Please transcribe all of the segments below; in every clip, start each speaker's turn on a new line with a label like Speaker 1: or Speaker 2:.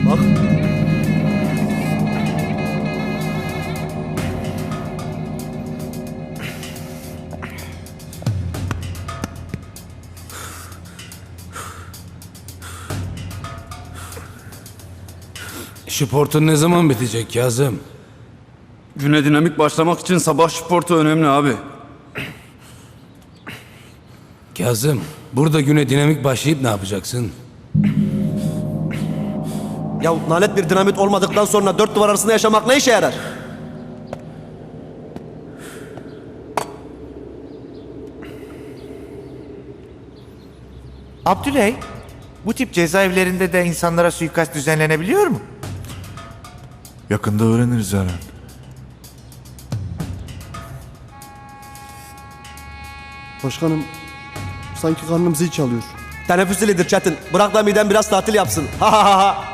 Speaker 1: Bak.
Speaker 2: Sportun ne zaman bitecek Kazım?
Speaker 3: Güne dinamik başlamak için sabah sportu önemli abi.
Speaker 2: Kazım, burada güne dinamik başlayıp ne yapacaksın?
Speaker 1: Ya nalet bir dinamit olmadıktan sonra dört duvar arasında yaşamak ne işe yarar?
Speaker 4: Abdüley, bu tip cezaevlerinde de insanlara suikast düzenlenebiliyor mu?
Speaker 5: Yakında öğreniriz Eren.
Speaker 6: Başkanım, sanki karnım zil çalıyor.
Speaker 1: Teneffüs zilidir Çetin. Bırak da midem biraz tatil yapsın. Ha ha ha ha.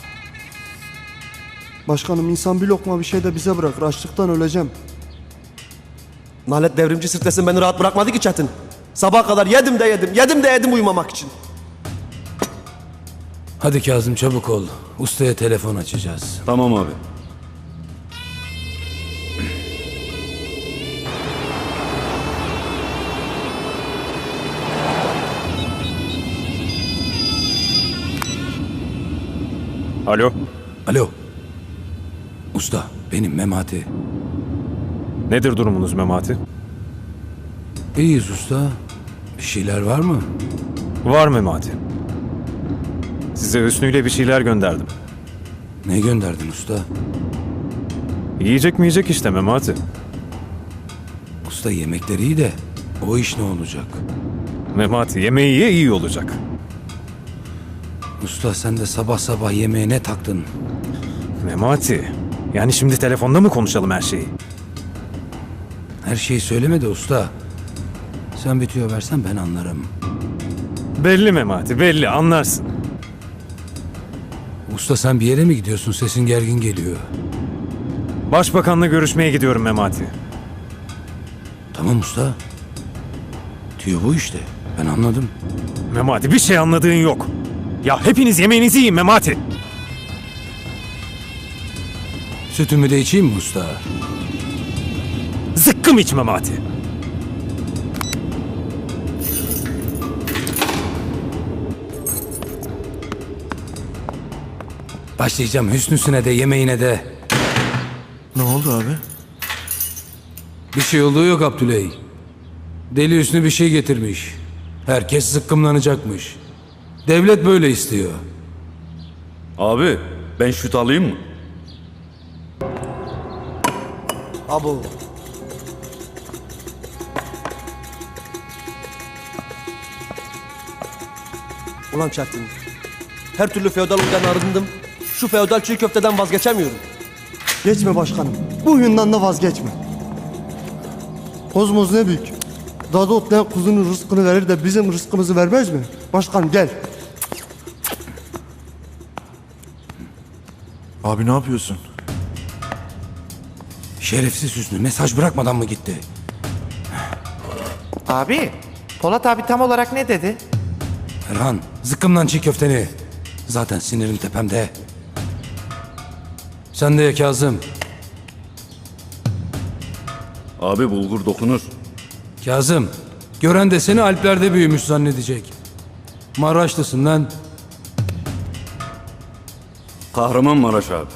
Speaker 6: Başkanım, insan bir lokma bir şey de bize bırakır. Açlıktan öleceğim.
Speaker 1: Nalet devrimci sirklesin beni rahat bırakmadı ki Çetin. Sabaha kadar yedim de yedim, yedim de yedim uyumamak için.
Speaker 2: Hadi Kazım çabuk ol. Ustaya telefon açacağız.
Speaker 3: Tamam abi.
Speaker 7: Alo,
Speaker 2: Alo. Usta, benim Memati.
Speaker 7: nedir durumunuz Memati?
Speaker 2: İyiyiz usta. Bir şeyler var mı?
Speaker 7: Var Memati. Size Hüsnü ile bir şeyler gönderdim.
Speaker 2: Ne gönderdin usta?
Speaker 7: Yiyecek mi yiyecek işte Memati.
Speaker 2: Usta yemekleri iyi de o iş ne olacak?
Speaker 7: Memati yemeği ye iyi olacak.
Speaker 2: Usta sen de sabah sabah yemeğe ne taktın?
Speaker 7: Memati, yani şimdi telefonda mı konuşalım her şeyi?
Speaker 2: Her şeyi söyleme de usta. Sen bir tüyo versen ben anlarım.
Speaker 7: Belli Memati, belli anlarsın.
Speaker 2: Usta sen bir yere mi gidiyorsun? Sesin gergin geliyor.
Speaker 7: Başbakanla görüşmeye gidiyorum Memati.
Speaker 2: Tamam usta. Tüyo bu işte. Ben anladım.
Speaker 7: Memati bir şey anladığın yok. Ya hepiniz yemeğinizi yiyin Memati.
Speaker 2: Sütümü de içeyim mi usta?
Speaker 7: Zıkkım iç Memati.
Speaker 2: Başlayacağım Hüsnüsüne de yemeğine de.
Speaker 5: Ne oldu abi?
Speaker 2: Bir şey olduğu yok Abdüley. Deli Hüsnü bir şey getirmiş. Herkes zıkkımlanacakmış. Devlet böyle istiyor.
Speaker 3: Abi ben şut alayım mı?
Speaker 1: Abo. Ulan Çetin. Her türlü feodallıktan arındım. Şu feodal çiğ köfteden vazgeçemiyorum.
Speaker 6: Geçme başkanım. Bu huyundan da vazgeçme. Kozmos ne büyük. Dadı otlayan kuzunun rızkını verir de bizim rızkımızı vermez mi? Başkanım gel.
Speaker 5: Abi ne yapıyorsun?
Speaker 2: Şerefsiz Hüsnü mesaj bırakmadan mı gitti?
Speaker 4: Abi, Polat abi tam olarak ne dedi?
Speaker 2: Erhan zıkkımlan çiğ köfteni. Zaten sinirim tepemde. Sen de ye Kazım.
Speaker 3: Abi bulgur dokunur.
Speaker 2: Kazım, gören de seni Alplerde büyümüş zannedecek. Maraşlısın lan.
Speaker 3: Kahramanmaraş abi.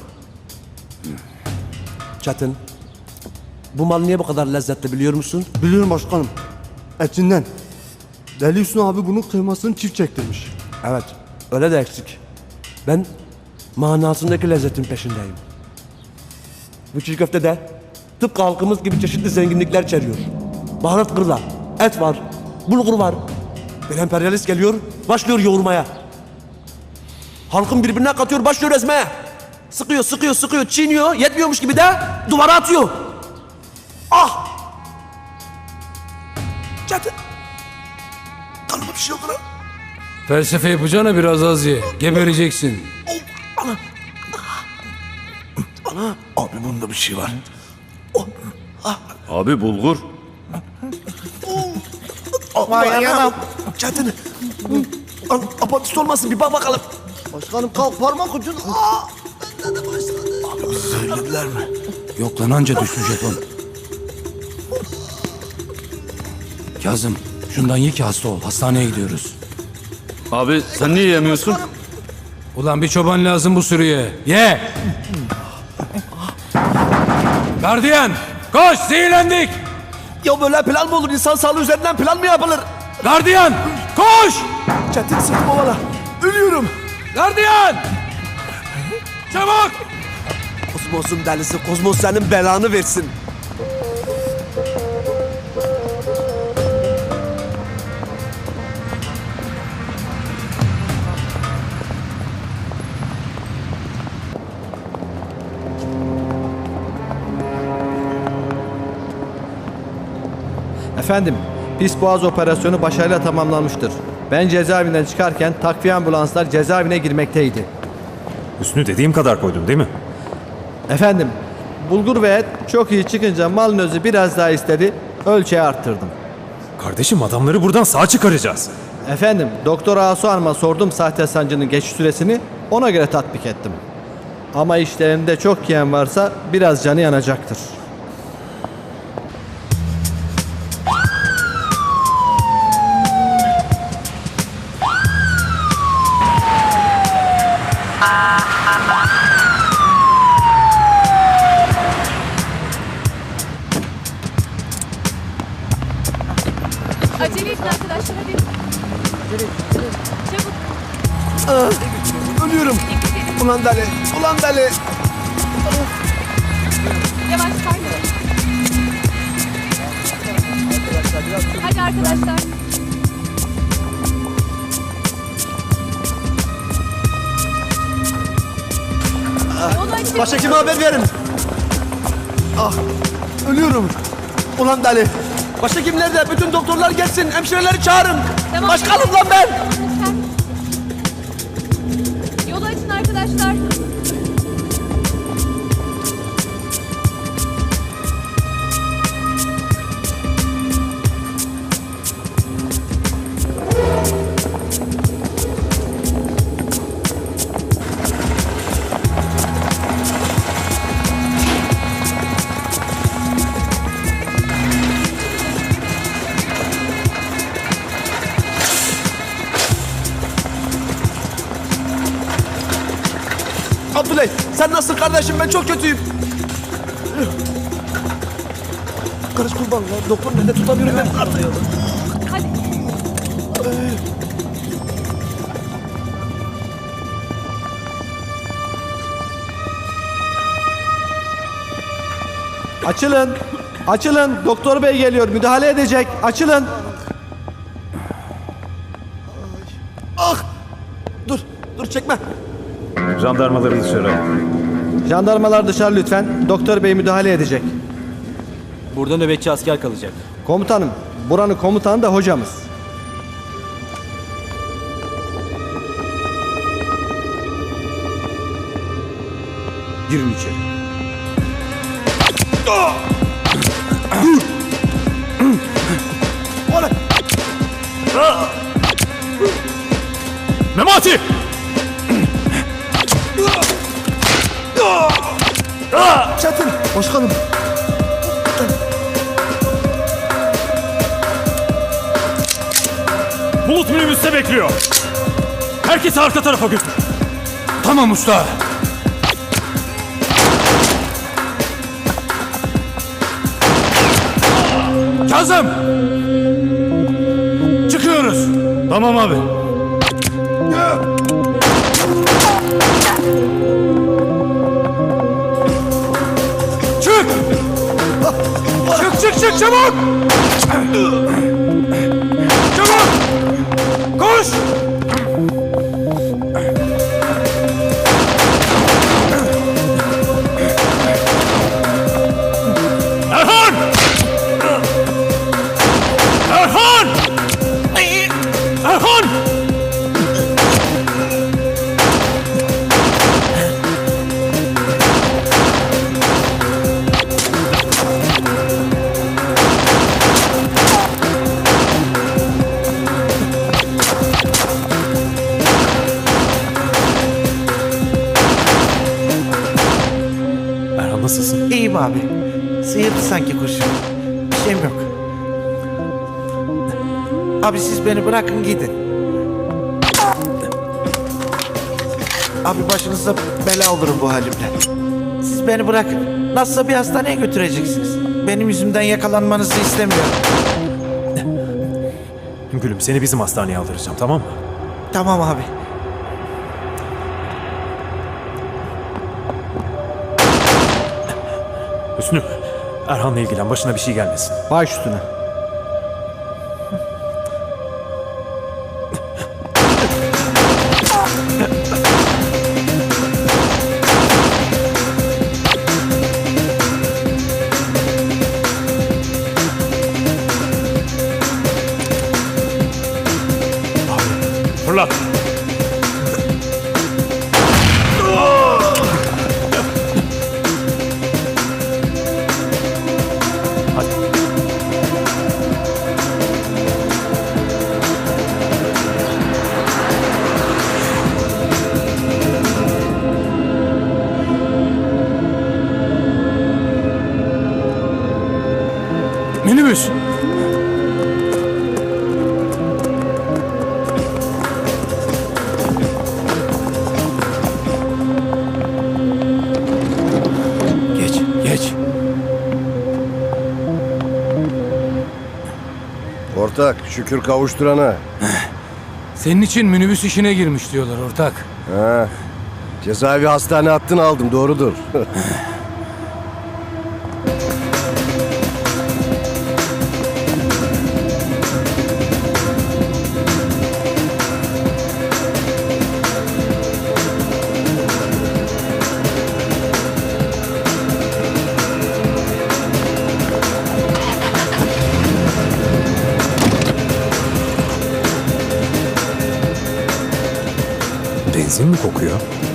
Speaker 1: Çetin. Bu mal niye bu kadar lezzetli biliyor musun?
Speaker 6: Biliyorum başkanım. Etinden. Deli Hüsnü abi bunun kıymasını çift çektirmiş.
Speaker 1: Evet. Öyle de eksik. Ben manasındaki lezzetin peşindeyim. Bu çiğ köfte de tıpkı halkımız gibi çeşitli zenginlikler içeriyor. Baharat kırla, et var, bulgur var. Bir emperyalist geliyor, başlıyor yoğurmaya. Halkın birbirine katıyor, başlıyor ezmeye. Sıkıyor, sıkıyor, sıkıyor, çiğniyor, yetmiyormuş gibi de duvara atıyor. Ah! Çetin! Kanıma bir şey oldu lan.
Speaker 2: Felsefe yapacağına biraz az ye. Gebereceksin.
Speaker 5: Abi bunda bir şey var.
Speaker 3: Abi bulgur.
Speaker 4: Vay anam.
Speaker 1: Çetin! Lan apatist olmasın bir bak bakalım.
Speaker 6: Başkanım kalk parmak ucun. Aa!
Speaker 5: Söylediler mi?
Speaker 2: Yok lan anca düştü jeton. Kazım şundan ye ki hasta ol. Hastaneye gidiyoruz.
Speaker 3: Abi sen niye yemiyorsun?
Speaker 2: Ulan bir çoban lazım bu sürüye. Ye! Gardiyan! Koş! Zehirlendik!
Speaker 1: Ya böyle plan mı olur? İnsan sağlığı üzerinden plan mı yapılır?
Speaker 2: Gardiyan! Koş!
Speaker 1: Çetin sırtım ovala. Ölüyorum.
Speaker 2: Gardiyan! Çabuk!
Speaker 1: Kozmos'un delisi. Kozmos senin belanı versin.
Speaker 8: Efendim, pis boğaz operasyonu başarıyla tamamlanmıştır. Ben cezaevinden çıkarken takviye ambulanslar cezaevine girmekteydi.
Speaker 7: Hüsnü dediğim kadar koydun değil mi?
Speaker 8: Efendim, bulgur ve et çok iyi çıkınca malın özü biraz daha istedi, ölçeği arttırdım.
Speaker 7: Kardeşim adamları buradan sağ çıkaracağız.
Speaker 8: Efendim, Doktor Asu Hanım'a sordum sahte sancının geçiş süresini, ona göre tatbik ettim. Ama işlerinde çok yiyen varsa biraz canı yanacaktır.
Speaker 9: Acele edin arkadaşlar hadi. Çabuk.
Speaker 1: Ölüyorum. Ulan deli. Ulan deli.
Speaker 9: Yavaş kayma. Hadi arkadaşlar. Yolu açın.
Speaker 1: Başhekime haber verin. Ah. Ölüyorum. Ulan deli. Başhekim nerede? Bütün doktorlar gelsin. Hemşireleri çağırın.
Speaker 9: Tamam,
Speaker 1: Başkanım lan ben.
Speaker 9: Tamam, lütfen. Yolu açın arkadaşlar.
Speaker 1: Abdüley sen nasılsın kardeşim? Ben çok kötüyüm. Karış kurban lan. Doktor nerede tutamıyorum ben.
Speaker 9: Hadi.
Speaker 8: Açılın! Açılın! Doktor bey geliyor, müdahale edecek. Açılın!
Speaker 1: Ah! Dur. Dur çekme.
Speaker 7: Jandarmaları dışarı.
Speaker 8: Jandarmalar dışarı lütfen. Doktor bey müdahale edecek.
Speaker 10: Burada nöbetçi asker kalacak.
Speaker 8: Komutanım, buranın komutanı da hocamız.
Speaker 2: Girin içeri.
Speaker 7: Memati!
Speaker 1: Çetin. Başkanım.
Speaker 7: Bulut minibüste bekliyor. Herkesi arka tarafa götür.
Speaker 2: Tamam usta. Kazım! Çıkıyoruz.
Speaker 7: Tamam abi.
Speaker 2: Çık! Çık çık çık çabuk! Çabuk! Koş!
Speaker 7: Erhan! Erhan! Erhan!
Speaker 4: İyiyim abi. Sıyırdı sanki kurşun. Bir şeyim yok. Abi siz beni bırakın gidin. Abi başınıza bela olurum bu halimle. Siz beni bırakın. Nasılsa bir hastaneye götüreceksiniz. Benim yüzümden yakalanmanızı istemiyorum.
Speaker 7: Gülüm seni bizim hastaneye aldıracağım tamam mı?
Speaker 4: Tamam abi.
Speaker 7: Hüsnü, Erhan'la ilgilen başına bir şey gelmesin.
Speaker 8: Baş üstüne.
Speaker 7: Fırlat.
Speaker 2: Minibüs. Geç, geç.
Speaker 11: Ortak şükür kavuşturana.
Speaker 2: Senin için minibüs işine girmiş diyorlar ortak.
Speaker 11: Ha. Cezaevi hastane hattını aldım doğrudur.
Speaker 7: Benzin mi kokuyor?